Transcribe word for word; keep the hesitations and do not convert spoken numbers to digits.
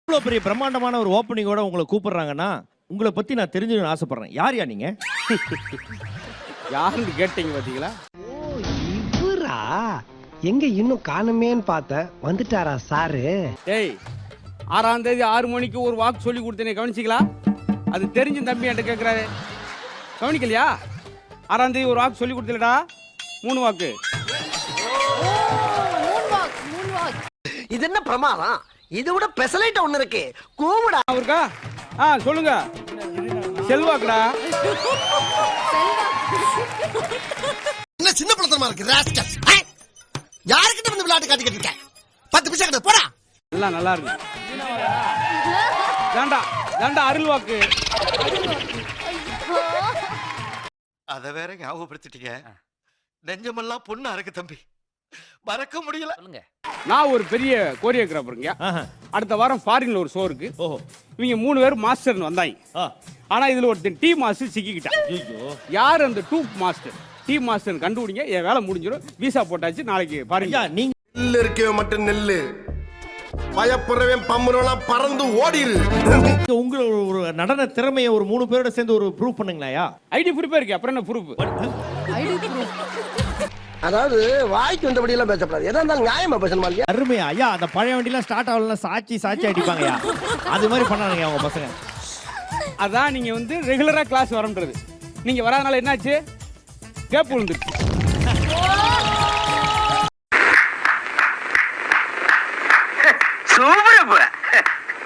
இவ்வளவு பெரிய பிரம்மாண்டமான ஒரு ஓப்பனிங்கோட உங்களை கூப்பிடுறாங்கன்னா உங்களை பத்தி நான் தெரிஞ்சுக்கணும்னு ஆசைப்படுறேன். யார் யா நீங்க? யாருன்னு கேட்டீங்க பாத்தீங்களா? ஓ இவரா? எங்க இன்னும் காணுமேன்னு பார்த்த வந்துட்டாரா சாரு? டேய், ஆறாம் தேதி ஆறு மணிக்கு ஒரு வாக்கு சொல்லி கொடுத்தேனே, கவனிச்சிங்களா? அது தெரிஞ்ச தம்பி என்கிட்ட கேட்கிறாரு, கவனிக்கலையா? ஆறாம் தேதி ஒரு வாக்கு சொல்லி கொடுத்தலடா, மூணு வாக்கு. இது என்ன பிரமாதம்? இது விட பெசலைட் ஒண்ணு இருக்கு, கூவுடா. அவருக்கா? ஆ சொல்லுங்க. செல்வாக்குடா. என்ன சின்ன பழத்தனமா இருக்கு ராஸ்கல். யார்கிட்ட வந்து விளையாட்டு காட்டிக்கிட்டு இருக்க? பத்து பைசா கிட்ட போடா. எல்லாம் நல்லா இருக்கு. தாண்டா தாண்டா அருள் வாக்கு. அத வேற ஞாபகப்படுத்திட்டீங்க. நெஞ்சமெல்லாம் பொண்ணு அறக்கு தம்பி, மறக்க முடியல. நான் ஒரு பெரிய கோரியோகிராஃபருங்க. அடுத்த வாரம் ஃபாரின்ல ஒரு ஷோ இருக்கு. ஓஹோ, இவங்க மூணு பேர் மாஸ்டர்னு வந்தாங்க. ஆனா இதுல ஒருத்தன் டீ மாஸ்டர் சிக்கிக்கிட்டான். யார் அந்த டூ மாஸ்டர்? டீ மாஸ்டர் கண்டுபிடிங்க, என் வேலை முடிஞ்சிடும். விசா போட்டாச்சு, நாளைக்கு பாருங்க. நீங்க நெல்லு இருக்கவே மட்டும் நெல்லு, பயப்படுறவன் பம்புறவெல்லாம் பறந்து ஓடிரு. உங்க ஒரு நடன திறமையை ஒரு மூணு பேரோட சேர்ந்து ஒரு ப்ரூவ் பண்ணுங்களா? ஐடி ப்ரூஃபே இருக்கு, அப்புறம் என்ன ப்ரூஃப்? அதாவது வாய்க்கு வந்தபடி எல்லாம் பேசப்படாது, எதா இருந்தாலும் நியாயமா பேசணுமா இல்லையா? அருமையா ஐயா, அந்த பழைய வண்டிலாம் ஸ்டார்ட் ஆகலாம், சாட்சி சாட்சி அடிப்பாங்கயா, அது மாதிரி பண்ணானுங்க அவங்க பசங்க. அதான் நீங்க வந்து ரெகுலரா கிளாஸ் வரன்றது. நீங்க வராதனால என்னாச்சு? கேப் விழுந்துருச்சு.